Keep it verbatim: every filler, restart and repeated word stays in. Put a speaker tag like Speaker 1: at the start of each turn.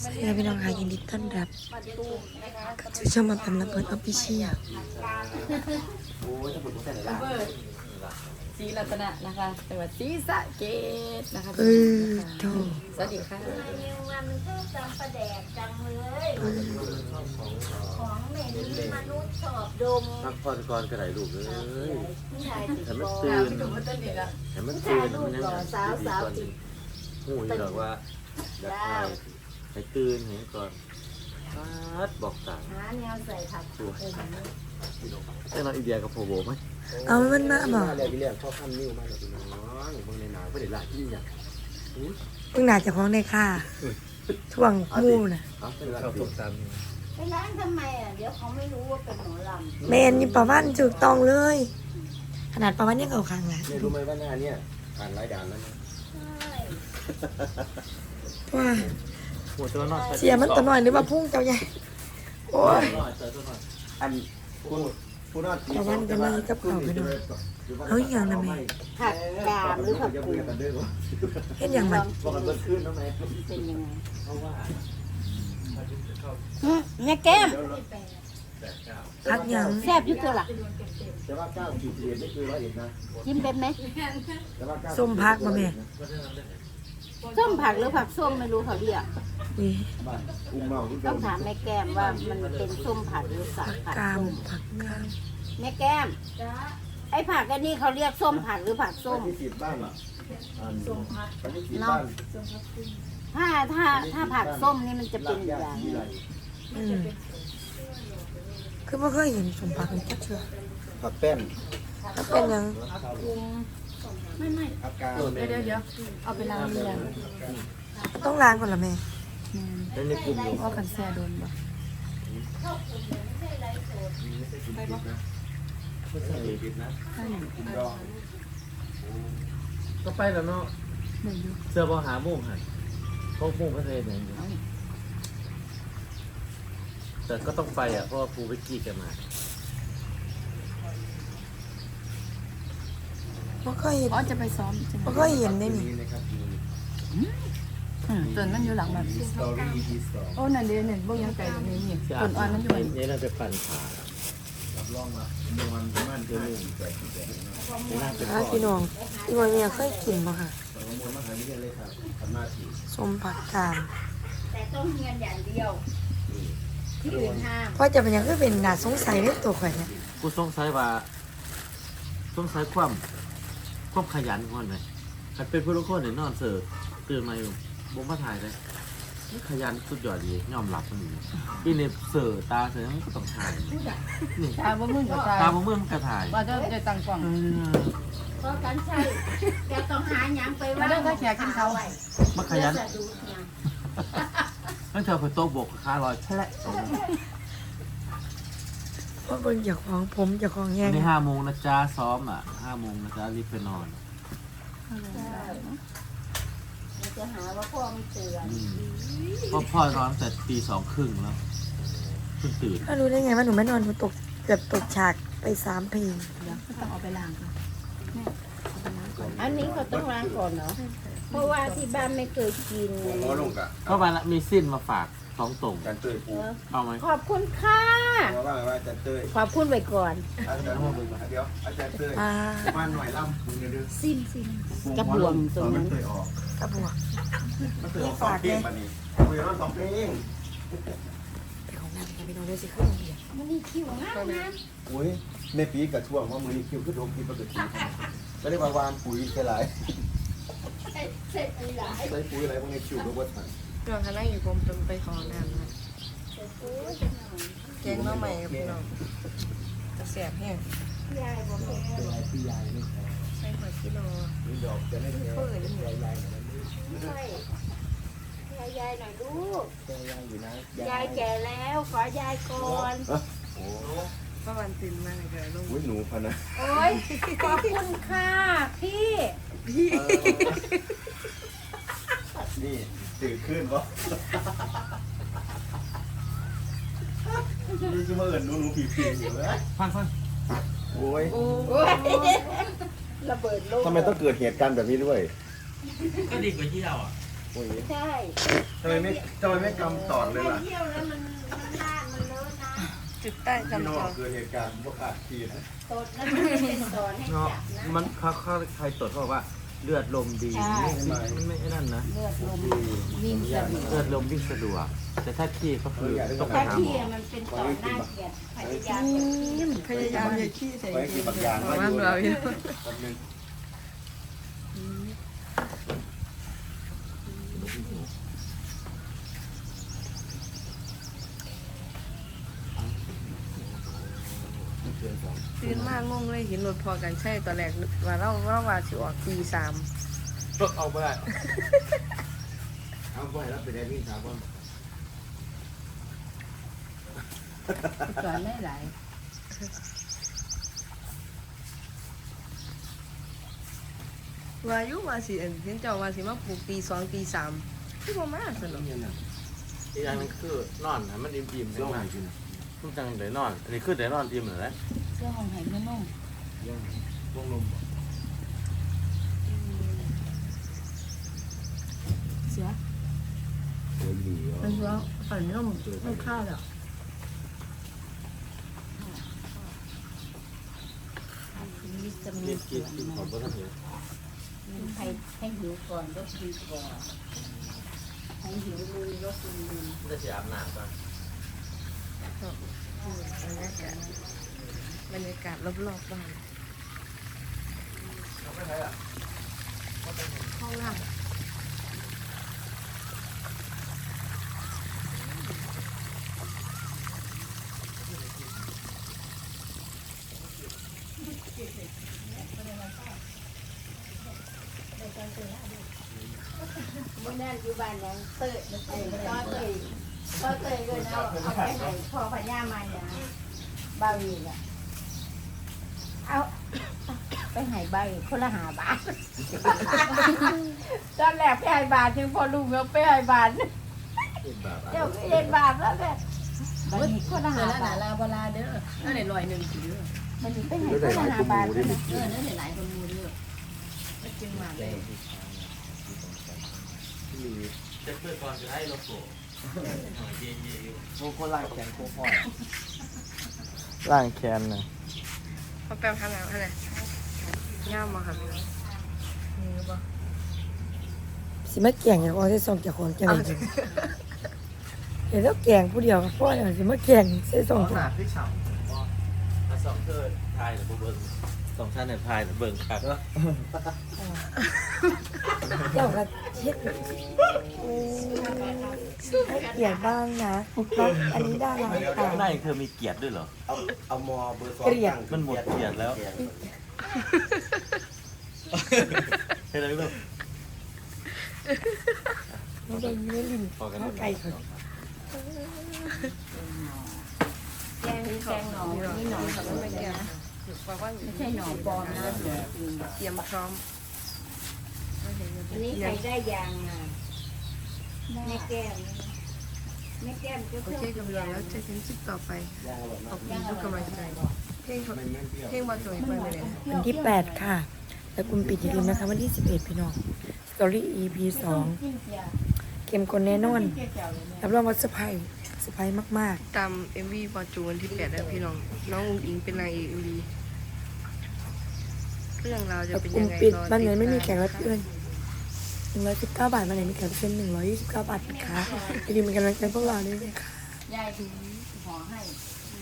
Speaker 1: สวัสดีครับพี่น้องค่ะยินดีต้อนรับเข้าสู่ช่องมาแปมระเบิดออฟฟิเชียล
Speaker 2: โอ้ยถ้าผมแต่ไหนล่ะ
Speaker 3: เบิร์ดศรีรัตนะนะคะจังหวัดศรีสะเกษนะคะ
Speaker 1: เออโธ่
Speaker 3: สวัสดีค่ะ
Speaker 4: มันก็จำประแดกจังเลยของเหม็นมนุษย์ชอบดม
Speaker 2: พักผ่อนก่อนกระไรลูกเอ้ย
Speaker 4: ผู้ชายติด
Speaker 2: ให้มัน
Speaker 4: บอ
Speaker 2: ตื่น
Speaker 3: พี่หนุ่มมาต้นดีละ
Speaker 2: ให้มันตื่นมันยังหูยหรอกว่าอยากให้ให้ตื่นให้ก่อนพัดบอกต่าง
Speaker 4: หาแนวใส่ผักตัว
Speaker 2: แต่เราอีเดียกับโพโบไหม
Speaker 1: เอามันมาบอก
Speaker 2: เรียกเรียกพ่อข้ามนิ้วมาเลยพี่น้องเบิ่งในหนังไม่ได้หลายที่อย่าง
Speaker 1: เพิ่งหนาจะพ้องในค่าท่วงมู่น่ะ
Speaker 2: เอาเป็นหลักสิ
Speaker 4: ไปร้านทำไมอ่ะเดี๋ยวเขาไม่รู้ว่าเป็นหมอลำ
Speaker 1: เมนนี่ประวันถูกต้องเลย ขนาดประวันยังเอาคางหลัง
Speaker 2: เนี่ยรู้ไหมว่าหน้าเนี่ยผ่านหลายด่านแล้วนะ
Speaker 4: ใช่
Speaker 1: ว่า
Speaker 2: หัวตัวนอด
Speaker 1: เสียมันตัวน้อยหรือว่าพุ่งเจ้าใหญ่โอ้ย
Speaker 2: อันคุณคุณนอด
Speaker 1: ประวันก็เลยกับเขาไปดูเอาอีกอย่างนะแม่
Speaker 4: ผักกาดหรือผักกูด
Speaker 1: เห็นอย่างมัน
Speaker 2: บอกกันเบิดขึ้นนะแม่
Speaker 4: เป็นยังไง
Speaker 2: เพราะว่า
Speaker 4: เนี่ยแก้ม
Speaker 1: พักอย่าง
Speaker 4: แซ่บอยุ่ตัวล่ะ
Speaker 2: แต่ว่าเก้าขีดเรียนไม่คือร้อยเอ็ดนะ
Speaker 4: จิ้มเป็นไหม
Speaker 2: แต่ว่าเก้า
Speaker 1: ส้มพักมาแม่
Speaker 4: ส้มผักหรือผักส้มไม่รู้เขาเรียก
Speaker 1: นี่
Speaker 2: บ้านอุ้มเมาอุ้ม
Speaker 4: ต้องถามแม่แก้มว่ามันเป็นส้มผักหรือสัก
Speaker 1: ผัก
Speaker 4: ผัก
Speaker 1: กาม
Speaker 4: ส้ม
Speaker 1: ผักกาม
Speaker 4: แม่แก้มไอ้ผักอันนี้เขาเรียกส้มผักหรือผักส้ม
Speaker 2: ที่สิบบ้านอ่ะส้มพักที่สิบบ้าน
Speaker 4: ถ้าถ้าถ้าผักส้มนี่มันจะเป็นอย่างนี้
Speaker 1: อืมคือไม่เคยเห็นสมผักเลยจักเชื่อ
Speaker 2: ผักแป้น
Speaker 1: ถ้าเป็นหยัง
Speaker 4: ไม่ไม่
Speaker 2: ผักกาด
Speaker 3: เดี๋ยวเดี๋ยวเดี๋ยวเอาไปล้างเรียง
Speaker 1: ต้องล้างก่อนละแม่
Speaker 2: แล้วในกลุ่มอยู่
Speaker 3: ว่ากันแซ่โดนบ่
Speaker 2: ไม่ใช่ผิดนะ
Speaker 3: ใช่
Speaker 5: ก็ไปแล้วเนาะ
Speaker 3: หนึ่งอยู่
Speaker 5: เสื้อบอหาโมุ่งหันเพราะโมุ่งก็เลยเหมือนอยู่แต่ก็ต้องไปอ่ะเพราะว่าครูไปกี้กันมา
Speaker 1: ไม่เคยเห็น
Speaker 3: อ๋อจะไปซ้อมใช่ไหม
Speaker 1: ไม่เคยเห็นได้นี่
Speaker 2: นี่นะครับมี
Speaker 3: อืมต้นมันอยู่หลังแบบ
Speaker 2: สตอรี่ที่สอง
Speaker 3: โอ้นั่นเดี๋ยวนี่บ่ยังไกลตรงนี้นี่ต้นอ่อนมันอยู่
Speaker 5: นี่เราจะปั่นขา
Speaker 2: รับรองมาเมื่อวันมั่นเจอหนึ่งแจกแจกนะ
Speaker 1: อ่าพี่น้องพี่น้องเนี่ยเคยกินป่ะค่ะ
Speaker 2: สองมวลมหาวิทยาลัยครับทำหน้าที่
Speaker 1: ส้มผักกาม
Speaker 4: แต่ต้องเงินอย่างเดียว ที่อื่นห้าม
Speaker 1: เพราะจะเป็นหยังก็เป็นหนาสงสัยในตัวข่อยเนี่ย
Speaker 5: กูสงสัยว่าสงสัยความความขยันของมันไหมมันเป็นผู้ลูกคนเนี่ยนอนเสิร์ฟตื่นมาอยู่บ่มาถ่ายเลยนี่ขยันสุดยอดดียอมรับมันอยู่อีเนี่ยเสิร์ฟตาเสิร์ฟมันก็ต้องถ่ายนี่
Speaker 3: ตาบ่มึงกับตา
Speaker 5: ตาบ่เมื่อมันก็ถ่าย
Speaker 3: ว่าจะจะตั้งกล้อง
Speaker 5: เออ
Speaker 4: เพราะกันใช่แกต้องหาหยังไป
Speaker 3: มา
Speaker 4: ว่า
Speaker 3: เด้อถ้าแขกกินเขา
Speaker 5: มันขยัน
Speaker 4: จะดูหยัง
Speaker 5: มันเธอไปโต๊ะบกขาลอยแฉละ
Speaker 1: เพราะเบิ่งจากของผมจากของแห้
Speaker 5: วั
Speaker 1: ง
Speaker 5: นนี้ห้าโมงนะจ๊ะซ้อมอ่ะห้าโมงนะจ๊ะรีบไปนอน
Speaker 4: มันจะหาว่าพ่อไม่เตือน
Speaker 5: อืมเพราะพ่อนอนแต่ตีสองครึ่งแล้วเพิ่งตื่น
Speaker 1: ถ้ารู้ได้ไงว่าหนูไม่นอนหนูตกเกือบตกฉากไปสามเพลง
Speaker 3: เดี๋ยวก็ต้องเอาไปล้างก่อนแม่เอาไปล้างก่อน
Speaker 4: อันนี้เขาต้องล้างก่อนเนาะเพราะว่าที่บ้านไม่เคยกิน
Speaker 2: หัวลงกะ
Speaker 5: ก็มาละมีสิ้นมาฝากสองตรง
Speaker 2: การเตยปู
Speaker 5: เอาไหม
Speaker 4: ขอบคุณค่ะ
Speaker 2: ว่าว่าว่าจะเตย
Speaker 4: ขอบคุณไว้ก่อน
Speaker 2: อาจารย์เดี๋ยวอาจารย์เตย
Speaker 1: อ่า
Speaker 2: มาหน่อยล่ำมึงเดี๋ยว
Speaker 4: ซิมซิมกระบวงตรงนั้น
Speaker 2: มันเตยออก
Speaker 1: กระบวก
Speaker 2: มันเตยออกสองเพลงมานี่คุยกันสองเพลง
Speaker 1: เป็นของนางกับพี่น้องด้วยสิขึ้นโรงเรียน
Speaker 4: มันนี่คิวงามงาม
Speaker 2: อุ้ยในปีกับช่วงว่ามือนี้คิวขึ้นโดมคิวปกติก็ได้มาวานปุ๋ยแค่ไร
Speaker 4: เสร็จอีหลาย
Speaker 2: ใส่ปุ๋ยอะไรพวกนี้คิวก็ว่าทัน
Speaker 1: พี่น้องคะนั่งอยู่ผมเป็นไปของน้ำนะแกงน้องใหม่กับพี่น้องจะแสบแห้ง
Speaker 4: ยายบอกแก
Speaker 2: พี่ยายไม่แพ้
Speaker 1: ใส่หัวกิโล
Speaker 2: นี่ดอกจะไม่แพ้ยายยาย
Speaker 4: ใช่ยายยายหน่อยลูก
Speaker 2: ยายยายอยู่นะ
Speaker 4: ยายแก่แล้วขอยายก่อน
Speaker 2: โอ้
Speaker 1: ประวันตื่นมาเลยเดี๋ยวลง
Speaker 2: ยหนูพันนะ
Speaker 4: โอ้ยขอบคุณค่ะพี่
Speaker 2: นี่ตื่นขึ้นวะนี่คือมาเอิญหนูหนูผีผีอยู่เลย
Speaker 5: ฟังฟัง
Speaker 2: โอ้ย
Speaker 4: โอ้ยระเบิดโลก
Speaker 2: ทำไมต้องเกิดเหตุการณ์แบบนี้ด้วย
Speaker 5: ก็ดีกว่าที่เราอ่ะโอ้ย
Speaker 4: ใช่
Speaker 5: ทำไมไม่ทำไมไม่กำตอนเลย
Speaker 4: ถ้า
Speaker 5: ล่ะ
Speaker 4: เที่ยวแล้วมันมันลาดมันเลอะนะ
Speaker 1: จุดใต้
Speaker 5: พี่น้อ
Speaker 1: จำจ
Speaker 5: ง
Speaker 1: อ
Speaker 5: เกิดเหตุการณ์พวกอาชีนะ
Speaker 4: ตดแล้วมันไม่เป็นสอนให้
Speaker 2: เนาะ
Speaker 4: จับนะ
Speaker 2: มันเขาเขาใครตรวจเขาบอกว่าเลือดลมดีไม่ไม่ไม่นั่นนะ
Speaker 3: เลือดลมวิ่งสะดวก
Speaker 2: เลือดลมวิ่งสะดวกแต่ถ้าขี้ก็คือต้องไป
Speaker 4: ถ้า
Speaker 2: หาหม
Speaker 4: ที่
Speaker 2: อ
Speaker 4: มันเป็นสอนน่าเกลียดพยายามจะขี้
Speaker 1: พยายามอย่าขี้ใส่
Speaker 5: ไว้กินบักยาง
Speaker 1: ว่าเราอยู่
Speaker 5: แป๊บนึง
Speaker 1: ตื่นมากงงเลยเห็นรถพอกันใช่ตอนแรกว่าเราเราว่าสิออกตีสาม
Speaker 2: รถเอาไปได้
Speaker 5: เอาไปแล้วไปได้วิ่งสามวัน
Speaker 3: สอนได้หลาย
Speaker 1: ว่าอยุว่าสิเห็นเจ้าว่าสิมาปลูกตีสองตีสามที่บ่มาสนุก
Speaker 5: เนี่ยนะ
Speaker 2: อีกอย่างหนึงคือนอนนะมันอิ่มๆ
Speaker 5: ย่
Speaker 2: จั
Speaker 5: อง ง
Speaker 2: มา
Speaker 5: หายกิน
Speaker 2: มันจังได้นอน อันนี้คือได้นอนอิ่มเลย
Speaker 3: เสื้อของไห้นุ่ม
Speaker 5: ย่องวงลม
Speaker 3: เสือ
Speaker 5: เสือดี
Speaker 3: มันเสือฝันนุ่มไม่ข้าวหรอก วิตามิ
Speaker 2: กิ
Speaker 3: น
Speaker 2: น
Speaker 3: เส
Speaker 2: กิ
Speaker 3: ริ
Speaker 2: น
Speaker 3: ม
Speaker 2: กินของบ่ทันเห็น
Speaker 3: ให้ให้หิวก่อนก็ดีกว่าให้หิวลุยก็ลุย
Speaker 2: จะสิอาบน้ำก่อน
Speaker 1: บรรยากาศบรรยากาศรอบๆบ้านห้องล่าง
Speaker 4: เมื่อนั้นอยู่บ้านยังเตยเอ้ยก็เตยก็เตยเลยนะเอาไปให้พ่อพญามาเนี่ยบาวีอ่ะเอาไปให้ใบคนละหาบาทตอนแรกไปให้บาทถึงพอลูกแล้วไปให้บาท
Speaker 5: เป็นแบบ
Speaker 4: เดี๋ยวเห็นบาทแล้วแหละมันมีคนละ
Speaker 3: เสื
Speaker 4: หา
Speaker 3: อหนา
Speaker 4: บาท
Speaker 3: ลาบลาเด้อนั่นไหนลอยหนึ่งถือ
Speaker 4: มันมีไปให้คนละหาบาท
Speaker 3: เออนั่นไหนหลายคนมูเด้อไม่จริงมากเลย
Speaker 2: เจ็บเพื่อก่อนจะให้โลโก้เย็นๆอยู่
Speaker 5: โคโค่ไล่แข็งโคพ่อ
Speaker 2: ล่างแคนนะ
Speaker 1: เขาแปลทางไหนทางไหนย่ามมาค่ะพี่น้องนี่หรือเปล่าสิมาแก่งอย่างว่าใส่ซองจากของแก่งจริงเห็นแล้วแก่งผู้เดียวกับพ่อเนี่ยสิมาแก่งใส่ซอง
Speaker 2: ขนาดที่ฉ่ำถ้าสองเธอทายหรือเบิ่งสองชั้นเนี่ยทายหรือเบิ่งครับ
Speaker 1: เจ้าก็เช็ดให้เกียรติบ้างนะอันนี้ได้แล้วค่ะ
Speaker 2: หน้าเธอมีเกียรติด้วยเหรอ
Speaker 5: เอาเอามอเบอร์สอง
Speaker 1: เกลียด
Speaker 2: มันหมดเกียรติแล้วเห็นอะไรบ้าง
Speaker 1: ไม่ได้เนื้อลิ้นข้าวไก่ค่ะ
Speaker 4: แกงแกงหนอนี่หนอ
Speaker 1: ค่ะไม่แก่บอกว่า
Speaker 3: ไม่ใช่หนอปลอมนะจริง
Speaker 1: เตรียมพร้อม
Speaker 4: อันนี้ใครได้ยางอ่ะแม่แก้มแม่แก้มก็
Speaker 1: โอ
Speaker 4: เพื่อ
Speaker 1: เคกับเราแล้วเจอกันคลิปต่อไปขอบคุณทุกกำลังใจเพลง
Speaker 5: ไม่แม่นเปรี้ยว
Speaker 1: เพลงบอลจอยไปเลยวันที่แปดค่ะ แล้วคุณปิดอย่าลืมนะคะวันที่สิบเอ็ดพี่น้องสตอรี่ อี พี สองเข้มข้นแน่นอนรับรองว่าเซอร์ไพรส์เซอร์ไพรส์มากๆตาม เอ็ม วี บอลจูวันที่แปดแล้วพี่น้องน้องอุ้งอิงเป็นนางเอก เอ็ม วี เรื่องราวจะ
Speaker 6: แบบ
Speaker 1: เป็น
Speaker 6: กลุ่
Speaker 1: ยั
Speaker 6: ม
Speaker 1: งไง
Speaker 6: ปิด
Speaker 1: รอ
Speaker 6: บ้านไหนไม่มีแข
Speaker 1: ติด
Speaker 6: ก
Speaker 1: ตา
Speaker 6: รับเชิญหนึ่งร้อยสิบเก้าบาทบ้านไหนมีแขกรับเชิญหนึ่งร้อยยี่สิบเก้าบาทนะคะอย่าลืมเป็นกำลังใจพวกเราด้วยนะคะ
Speaker 3: ๆยายห่อให้